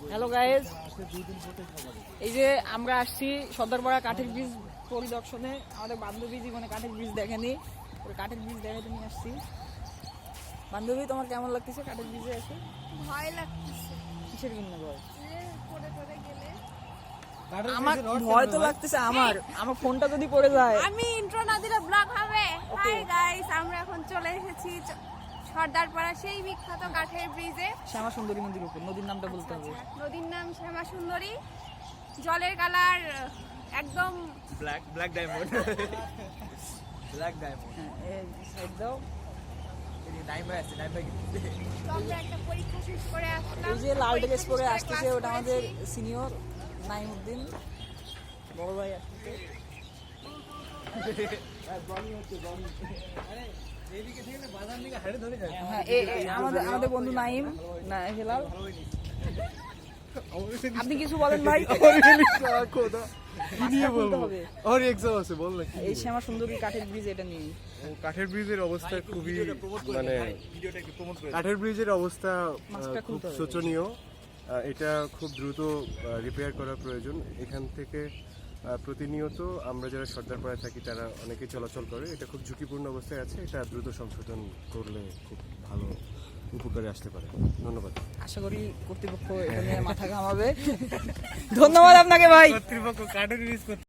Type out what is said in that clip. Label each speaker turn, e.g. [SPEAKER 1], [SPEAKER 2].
[SPEAKER 1] Hello guys, এই যে আমরা আসছি সর্দারপাড়া কাঠের ব্রিজ পরিদর্শনে। আমাদের বান্ধবী জীবনে কাঠের ব্রিজ দেখেনি, কাঠের ব্রিজ দেখাতে নিয়ে আসছি। বান্ধবী, তোমার কেমন লাগতেছে কাঠের ব্রিজে এসে?
[SPEAKER 2] ভয় লাগতেছে।
[SPEAKER 1] কিসের জন্য ভয়?
[SPEAKER 2] পড়ে পড়ে গেলে
[SPEAKER 1] আমার ভয় তো লাগতেছে। আমার ফোনটা যদি পড়ে যায়।
[SPEAKER 2] আমি ইন্ট্রো না দিলে ব্লগ হবে। হাই গাইস, আমরা এখন চলে এসেছি সর্দারপাড়া সেই বিখ্যাত কাঠের ব্রিজে।
[SPEAKER 1] শ্যামা সুন্দরী নদীর উপর। নদীর নামটা বলতে হবে।
[SPEAKER 2] নদীর নাম শ্যামা সুন্দরী। জলের কালার একদম
[SPEAKER 3] ব্ল্যাক ডায়মন্ড। Black diamond.
[SPEAKER 1] এই সাইড দাও।
[SPEAKER 2] আমরা একটা পরীক্ষা শেষ করে আসলাম।
[SPEAKER 1] এই যে লাল ড্রেস পরে আসতেছে, ওটা আমাদের সিনিয়র নাইমউদ্দিন বড় ভাই আসতেছে। হ্যাঁ, আমাদের বন্ধু নাইম হেলাল। আপনি কিছু বলেন ভাই। এই শ্যামা সুন্দরী কাঠের ব্রিজ, এটা নিয়ে
[SPEAKER 4] কাঠের ব্রিজের অবস্থা খুবই কাঠের ব্রিজের অবস্থা খুব শোচনীয়। এটা খুব দ্রুত রিপেয়ার করা প্রয়োজন। এখান থেকে প্রতিনিয়ত আমরা যারা সর্দারপাড়ায় থাকি তারা অনেকেই চলাচল করে। এটা খুব ঝুঁকিপূর্ণ অবস্থায় আছে। এটা দ্রুত সংশোধন করলে খুব ভালো উপকারে আসতে পারে। ধন্যবাদ।
[SPEAKER 1] আশা করি কর্তৃপক্ষ এটা নিয়ে মাথা ঘামাবে। ধন্যবাদ আপনাকে ভাই।
[SPEAKER 3] কর্তৃপক্ষ কাঠের ব্রিজ